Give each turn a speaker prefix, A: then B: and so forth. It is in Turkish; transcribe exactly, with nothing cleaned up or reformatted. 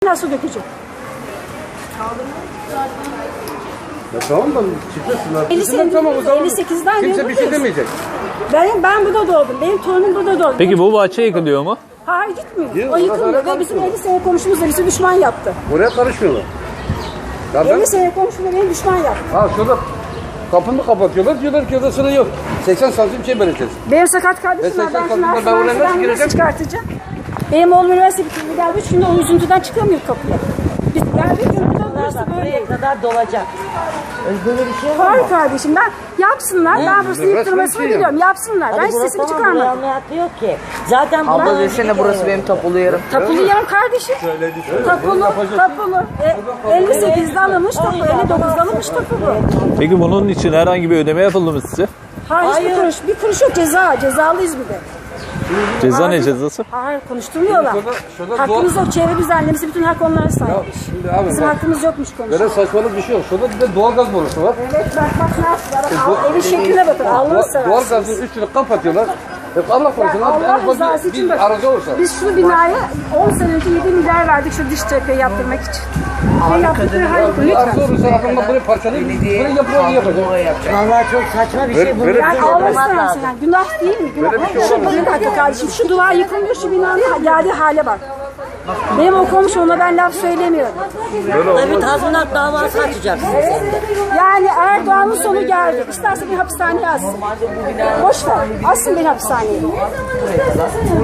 A: içine su dökecek.
B: Ya tamam da çıkıyorsunlar.
A: elli sekiz,
B: Tamam, o zaman
A: elli sekizden
B: kimse
A: beri
B: bir şey
A: buradayız.
B: demeyecek.
A: Ben, ben burada doğdum. Benim torunum burada doğdu.
C: Peki bu bahçe yıkılıyor mu?
A: Hayır gitmiyor.
B: Değil,
A: O yıkılmıyor
B: orası
A: ve bizim elli sene komşumuz da bizi düşman yaptı.
B: Oraya karışmıyorlar. Ya ben,
A: elli sene komşum da beni düşman yaptı.
B: ha şurada kapını kapatıyorlar. Diyorlar ki odasını yok. seksen santim şey vereceğiz.
A: Benim sakat kardeşim
B: Ben
A: var. Ben
B: seksen
A: şimdi
B: kardeşim, ben oraya nasıl
A: hastaneden
B: gireceğim?
A: nasıl çıkartacağım? Benim oğlum üniversite bitirdi. Geldi üç günde o üzüntüden çıkamıyor kapıya. Biz geldik yolda burası böyle.
D: Buraya kadar dolacak. Böyle bir şey var mı?
A: Hayır kardeşim ben yapsınlar. Ben burası
B: Resmen
A: yıktırmasını
B: şey
A: biliyorum. Yapsınlar. Ben
D: Hadi burası
A: sesimi
D: tamam, buraya
A: çıkarmadım.
D: ameliyatı yok ki. Zaten
E: Abla
D: buradan
E: desene
D: önceki
E: burası
D: kere-
E: benim tapulu yerim.
A: Tapulu yarım kardeşim. Tapulu, tapulu. E, elli sekizde alınmış tapu, elli dokuzda alınmış tapulu.
C: Peki bunun için herhangi bir ödeme yapıldı mı size?
A: Hayır, hiçbir kuruş, bir kuruş yok ceza, cezalıyız bir de.
C: Ceza ne
A: Hayır.
C: cezası?
A: Hayır, konuşturmuyorlar.
B: Şurada- şurada
A: Hakkımız yok, çevre düzenlemesi bütün hak onlara
B: Ya
A: sahipmiş.
B: şimdi abi
A: Bizim
B: bak,
A: hakkımız yokmuş konuşmak.
B: böyle saçmalık bir şey yok. Şurada bir de doğalgaz borusu var.
A: Evet, bak bak nasıl, bak, al, evin şekline bakın, Allah'ını
B: Doğa-
A: seversen.
B: Doğalgazın üstünü kapatıyorlar. Hep Allah korusun.
A: Yani
B: abi, en
A: Allah
B: ufak
A: rızası
B: bir,
A: için
B: bir
A: bak.
B: arıza olsa.
A: Biz şu binaya on sene önce yedi milyar verdik şu dış cepheyi yaptırmak için. Ve yaptıkları her yıl
B: Bir arıza
A: lütfen.
B: olursa adamlar burayı parçalayıp burayı yapıyor, yapacak.
D: Vallahi çok saçma bir şey.
B: Böyle-
D: Bunu
B: böyle bir
A: Yani
B: şey yok.
A: Allah
D: yapmak
A: istersen
D: lazım.
A: yani günah değil mi? Günah.
B: Böyle bir şey
A: Şu
B: olamaz.
A: bir dakika kardeşim şu duvar yıkılmıyor şu binanın geldiği hale bak. Benim o komşuma ben laf söylemiyorum.
D: Tabii tazminat davası açacaksın.
A: Yani Erdoğan'ın sonu geldi. İsterse beni hapishaneye assın. Boş ver. Assın beni hapishaneye.